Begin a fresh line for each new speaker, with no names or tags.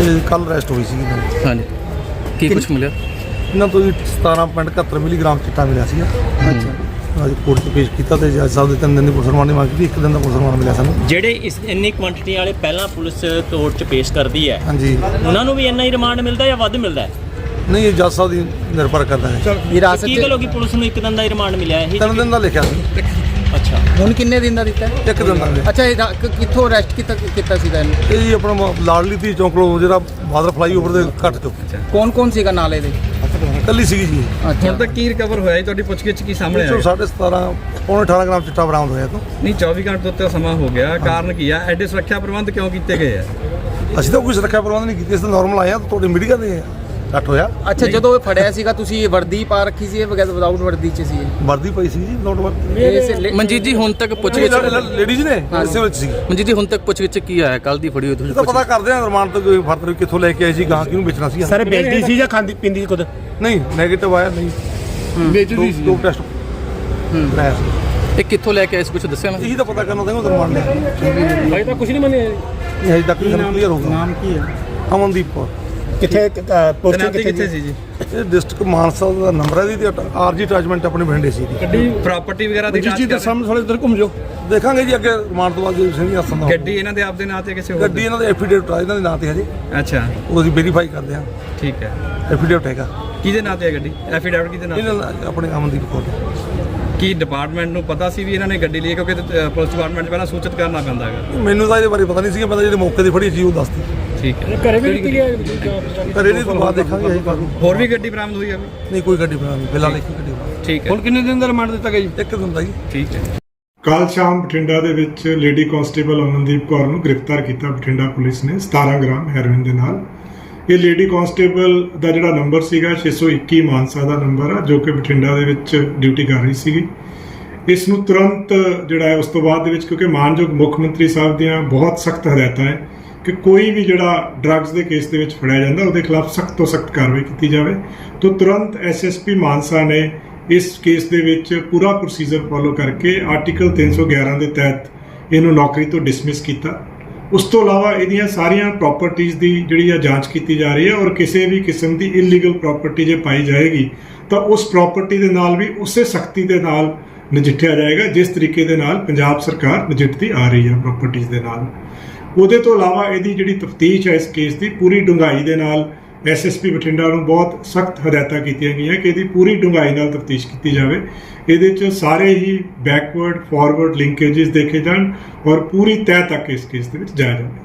ਕੱਲ੍ਹ ਅਰੈਸਟ ਹੋਈ ਸੀ ਇਹਨਾਂ ਦੀ।
ਹਾਂਜੀ, ਕੀ ਕੁਛ ਮਿਲਿਆ
ਇਹਨਾਂ ਤੋਂ ਜੀ 17.71 ਮਿਲੀਗ੍ਰਾਮ ਚਿੱਟਾ ਮਿਲਿਆ ਸੀਗਾ।
ਅੱਛਾ,
ਅੱਜ ਕੋਰਟ 'ਚ ਪੇਸ਼ ਕੀਤਾ ਤੇ ਜੱਜ ਸਾਹਿਬ ਦੇ 3 ਦਿਨ ਦੀ ਪੁਲਿਸ ਰਿਮਾਂਡ ਦੀ ਮੰਗ ਕੀਤੀ, 1 ਦਿਨ ਦਾ ਪੁਲਿਸ ਰਿਮਾਂਡ ਮਿਲਿਆ ਸਾਨੂੰ।
ਜਿਹੜੇ ਇਸ ਇੰਨੀ ਕੁਆਂਟੀਟੀ ਵਾਲੇ ਪਹਿਲਾਂ ਪੁਲਿਸ ਕੋਰਟ 'ਚ ਪੇਸ਼ ਕਰਦੀ ਹੈ,
ਹਾਂਜੀ,
ਉਹਨਾਂ ਨੂੰ ਵੀ ਇੰਨਾ ਹੀ ਰਿਮਾਂਡ ਮਿਲਦਾ ਜਾਂ ਵੱਧ ਮਿਲਦਾ ਹੈ?
ਨਹੀਂ, ਇਹ ਜੱਜ ਸਾਹਿਬ ਦੀ ਨਿਰਭਰ ਕਰਦਾ ਹੈ।
ਵਿਰਾਸਤ
ਕੀ ਗੱਲ ਹੋ ਗਈ ਪੁਲਿਸ ਨੂੰ 1 ਦਿਨ ਦਾ ਹੀ ਰਿਮਾਂਡ ਮਿਲਿਆ ਇਹ?
3 ਦਿਨ ਦਾ ਲਿਖਿਆ ਸੀ,
ਅੱਛਾ,
ਹੁਣ ਕਿੰਨੇ ਦਿਨ ਦਾ ਦਿੱਤਾ?
1 ਦਿਨ ਦਾ ਮਿਲਿਆ।
ਅੱਛਾ, ਇਹ ਕਿੱਥੋਂ ਅਰੈਸਟ ਕੀਤਾ ਸੀਗਾ ਇਹਨੂੰ?
ਇਹ ਜੀ ਆਪਣਾ ਲਾਡਲੀ ਧੀ ਚੌਂਕ ਕੋਲ ਜਿਹੜਾ ਬਾਦਰ ਫਲਾਈਓਵਰ ਦੇ ਘੱਟ ਚੁੱਕ
ਕੌਣ ਸੀਗਾ ਨਾਲ ਇਹਦੇ?
ਕੱਲੀ ਸੀਗੀ ਜੀ।
ਅੱਛਾ,
ਹੁਣ ਤੱਕ ਕੀ ਰਿਕਵਰ ਹੋਇਆ ਜੀ? ਤੁਹਾਡੀ ਪੁੱਛਗਿੱਛ ਕੀ ਸਾਹਮਣੇ ਆਇਆ?
17.5 ਪੌਣੇ 18 ਗ੍ਰਾਮ ਚਿੱਟਾ ਬਰਾਮਦ ਹੋਇਆ ਤੋਂ।
ਨਹੀਂ, 24 ਘੰਟੇ ਤੋਂ ਉੱਤੇ ਸਮਾਂ ਹੋ ਗਿਆ, ਕਾਰਨ ਕੀ ਆ? ਐਡੇ ਸੁਰੱਖਿਆ ਪ੍ਰਬੰਧ ਕਿਉਂ ਕੀਤੇ ਗਏ ਆ?
ਅਸੀਂ ਤਾਂ ਕੋਈ ਸੁਰੱਖਿਆ ਪ੍ਰਬੰਧ ਨਹੀਂ ਕੀਤੇ, ਅਸੀਂ ਤਾਂ ਨਾਰਮਲ ਆਏ ਆ। ਤੁਹਾਡੇ ਮੀਡੀਆ ਦੇ ਘੱਟ ਹੋਇਆ।
ਅੱਛਾ, ਜਦੋਂ ਇਹ ਫੜਿਆ ਸੀਗਾ ਤੁਸੀਂ ਇਹ ਵਰਦੀ ਪਾ ਰੱਖੀ ਸੀ, ਇਹ ਵਿਦਆਊਟ ਵਰਦੀ 'ਚ ਸੀ ਇਹ?
ਵਰਦੀ ਪਈ ਸੀ ਜੀ, ਨੋਟ ਵਰਦੀ।
ਮਨਜੀਤ ਜੀ ਹੁਣ ਤੱਕ ਪੁੱਛਗਿੱਛ
ਲੇਡੀਜ਼ ਨੇ ਇਸੇ ਵਿੱਚ ਸੀ।
ਮਨਜੀਤ ਜੀ ਹੁਣ ਤੱਕ ਪੁੱਛਗਿੱਛ ਕੀ ਆਇਆ? ਕੱਲ ਦੀ ਫੜੀ ਹੋਈ ਤੁਸੀਂ
ਇਹ ਤਾਂ ਪਤਾ ਕਰਦੇ ਆ ਰਿਮਾਂਡ ਤੋਂ ਕੋਈ ਫਰਦਰ ਕਿੱਥੋਂ ਲੈ ਕੇ ਆਏ ਸੀ, ਗਾਂ ਕਿਹਨੂੰ ਵੇਚਣਾ ਸੀ।
ਸਰ ਵੇਚਦੀ ਸੀ ਜਾਂ ਖਾਂਦੀ ਪੀਂਦੀ ਸੀ ਖੁਦ?
ਨਹੀਂ, ਨੈਗੇਟਿਵ ਆਇਆ ਨਹੀਂ,
ਵੇਚਦੀ ਸੀ।
ਦੋ ਟੈਸਟ ਕਰਾਇਆ ਸੀ।
ਇਹ ਕਿੱਥੋਂ ਲੈ ਕੇ ਆਏ ਸੀ, ਕੁਛ ਦੱਸਿਆ ਨਾ?
ਇਹੀ ਤਾਂ ਪਤਾ ਕਰਨਾ ਚਾਹੀਦਾ, ਰਿਮਾਂਡ ਲਿਆ।
ਭਾਈ ਤਾਂ ਕੁਝ ਨਹੀਂ ਮੰਨਿਆ।
ਇਹ ਹਜੇ ਤੱਕ ਨਹੀਂ ਕਲੀਅਰ ਹੋਊਗਾ।
ਨਾਮ ਕੀ ਹੈ?
ਅਮਨਦੀਪ ਕੌਰ।
ਕਿੱਥੇ ਪੋਸਟਿੰਗ
ਤੈਨਾਤੀ ਕਿੱਥੇ ਸੀ ਜੀ?
ਇਹ ਡਿਸਟ੍ਰਿਕਟ ਮਾਨਸਾ ਦਾ ਨੰਬਰ ਹੈ ਦੀ, ਆਰਜੀ ਅਟੈਚਮੈਂਟ ਆਪਣੇ ਬਠਿੰਡੇ ਸੀ ਦੀ।
ਗੱਡੀ ਪ੍ਰਾਪਰਟੀ ਵਗੈਰਾ ਦੀ ਜਾਂਚ
ਜੀ ਦੇ ਸਾਹਮਣੇ ਥੋੜੇ ਇੱਧਰ ਘੁੰਮ ਜਾਓ।
ਦੇਖਾਂਗੇ ਜੀ ਅੱਗੇ ਰਿਮਾਂਡ ਤੋਂ ਬਾਅਦ ਜੇ ਸਿੰਘ ਹੱਸਨ ਦਾ
ਗੱਡੀ ਇਹਨਾਂ ਦੇ ਆਪਦੇ ਨਾਂ ਤੇ ਕਿਸੇ ਹੋਰ
ਗੱਡੀ ਇਹਨਾਂ ਦੇ ਐਫੀਡੇਵਿਟ ਆ, ਇਹਨਾਂ ਦੇ ਨਾਂ ਤੇ ਹਜੇ
ਅੱਛਾ,
ਉਹ ਅਸੀਂ ਵੈਰੀਫਾਈ ਕਰਦੇ ਹਾਂ।
ਠੀਕ ਹੈ।
ਐਫੀਡੇਵਿਟ ਹੈਗਾ
ਕਿਹਦੇ ਨਾਂ ਤੇ ਹੈ ਗੱਡੀ? ਐਫੀਡੈਵਿਟ ਕਿਹਦੇ ਨਾਂ ਤੇ?
ਇਹਨਾਂ ਦਾ ਆਪਣੇ ਅਮਨਦੀਪ ਕੌਰ ਦਾ।
ਕੀ ਡਿਪਾਰਟਮੈਂਟ ਨੂੰ ਪਤਾ ਸੀ ਵੀ ਇਹਨਾਂ ਨੇ ਗੱਡੀ ਲਈ? ਕਿਉਂਕਿ ਪੁਲਿਸ ਡਿਪਾਰਟਮੈਂਟ 'ਚ ਪਹਿਲਾਂ ਸੂਚਿਤ ਕਰਨਾ ਪੈਂਦਾ ਹੈਗਾ।
ਮੈਨੂੰ ਤਾਂ ਇਹਦੇ ਬਾਰੇ ਪਤਾ ਨਹੀਂ ਸੀਗਾ, ਮੈਂ ਤਾਂ ਜਿਹੜੇ ਮੌਕੇ ਦੀ ਫੜੀ ਸੀ ਉਹ ਦੱਸਦੀ।
ਠੀਕ ਹੈ।
ਘਰੇ ਵੀ ਨਿਕਲ ਗਿਆ।
ਪਰ ਇਹਦੇ ਤੋਂ ਬਾਅਦ ਦੇਖਾਂਗੇ ਅਸੀਂ ਕਾਹਨੂੰ।
ਹੋਰ ਵੀ ਗੱਡੀ ਬਰਾਮਦ ਹੋਈ ਹੈ?
ਨਹੀਂ, ਕੋਈ ਗੱਡੀ ਬਣਾ ਨਹੀਂ, ਫਿਲਹਾਲ ਇੱਕ ਗੱਡੀ ਬਣਾ।
ਠੀਕ ਹੈ,
ਹੁਣ ਕਿੰਨੇ ਦਿਨ ਦਾ ਰਿਮਾਂਡ ਦਿੱਤਾ ਗਿਆ ਜੀ?
1 ਦਿਨ ਦਾ ਜੀ।
ਠੀਕ ਹੈ।
ਕੱਲ੍ਹ ਸ਼ਾਮ ਬਠਿੰਡਾ ਦੇ ਵਿੱਚ ਲੇਡੀ ਕਾਂਸਟੇਬਲ ਅਮਨਦੀਪ ਕੌਰ ਨੂੰ ਗ੍ਰਿਫਤਾਰ ਕੀਤਾ ਬਠਿੰਡਾ ਪੁਲਿਸ ਨੇ 17 ਗ੍ਰਾਮ ਹੈਰੋਇਨ ਦੇ ਨਾਲ। ਇਹ ਲੇਡੀ ਕਾਂਸਟੇਬਲ ਦਾ ਜਿਹੜਾ ਨੰਬਰ ਸੀਗਾ 621 ਮਾਨਸਾ ਦਾ ਨੰਬਰ ਆ, ਜੋ ਕਿ ਬਠਿੰਡਾ ਦੇ ਵਿੱਚ ਡਿਊਟੀ ਕਰ ਰਹੀ ਸੀਗੀ। ਇਸ ਨੂੰ ਤੁਰੰਤ ਜਿਹੜਾ ਹੈ ਉਸ ਤੋਂ ਬਾਅਦ ਦੇ ਵਿੱਚ, ਕਿਉਂਕਿ ਮਾਨਯੋਗ ਮੁੱਖ ਮੰਤਰੀ ਸਾਹਿਬ ਦੀਆਂ ਬਹੁਤ ਸਖਤ ਹਦਾਇਤਾਂ ਹੈ ਕਿ ਕੋਈ ਵੀ ਜਿਹੜਾ ਡਰੱਗਸ ਦੇ ਕੇਸ ਦੇ ਵਿੱਚ ਫੜਿਆ ਜਾਂਦਾ ਉਹਦੇ ਖਿਲਾਫ ਸਖਤ ਤੋਂ ਸਖਤ ਕਾਰਵਾਈ ਕੀਤੀ ਜਾਵੇ, ਤਾਂ ਤੁਰੰਤ ਐਸਐਸਪੀ ਮਾਨਸਾ ਨੇ ਇਸ ਕੇਸ ਦੇ ਵਿੱਚ ਪੂਰਾ ਪ੍ਰੋਸੀਜਰ ਫੋਲੋ ਕਰਕੇ ਆਰਟੀਕਲ 311 ਦੇ ਤਹਿਤ ਇਹਨੂੰ ਨੌਕਰੀ ਤੋਂ ਡਿਸਮਿਸ ਕੀਤਾ। ਉਸ ਤੋਂ ਇਲਾਵਾ ਇਹਦੀਆਂ ਸਾਰੀਆਂ ਪ੍ਰਾਪਰਟੀਆਂ ਦੀ ਜਿਹੜੀ ਆ ਜਾਂਚ ਕੀਤੀ ਜਾ ਰਹੀ ਹੈ, ਔਰ ਕਿਸੇ ਵੀ ਕਿਸਮ ਦੀ ਇਲੀਗਲ ਪ੍ਰਾਪਰਟੀ ਜੇ ਪਾਈ ਜਾਏਗੀ ਤਾਂ ਉਸ ਪ੍ਰਾਪਰਟੀ ਦੇ ਨਾਲ ਵੀ ਉਸੇ ਸਖਤੀ ਦੇ ਨਾਲ ਨਜਿੱਠਿਆ ਜਾਏਗਾ ਜਿਸ ਤਰੀਕੇ ਦੇ ਨਾਲ ਪੰਜਾਬ ਸਰਕਾਰ ਨਜਿੱਠਦੀ ਆ ਰਹੀ ਹੈ ਪ੍ਰਾਪਰਟੀਆਂ ਦੇ ਨਾਲ। ਉਹਦੇ ਤੋਂ ਇਲਾਵਾ ਇਹਦੀ ਜਿਹੜੀ ਤਫਤੀਸ਼ ਹੈ ਇਸ ਕੇਸ ਦੀ ਪੂਰੀ ਡੂੰਘਾਈ ਦੇ ਨਾਲ ਐਸਐਸਪੀ ਬਠਿੰਡਾ ਨੂੰ ਬਹੁਤ ਸਖਤ ਹਦਾਇਤਾਂ ਕੀਤੀਆਂ ਗਈਆਂ ਕਿ ਇਹਦੀ ਪੂਰੀ ਡੂੰਘਾਈ ਨਾਲ ਤਫਤੀਸ਼ ਕੀਤੀ ਜਾਵੇ। ਇਹਦੇ 'ਚ ਸਾਰੇ ਹੀ ਬੈਕਵਰਡ ਫਾਰਵਰਡ ਲਿੰਕੇजेस ਦੇਖੇ ਜਾਣ ਔਰ ਪੂਰੀ ਤਹਿ ਤੱਕ ਇਸ ਕੇਸ ਦੇ ਵਿੱਚ ਜਾਇਆ ਜਾਵੇ।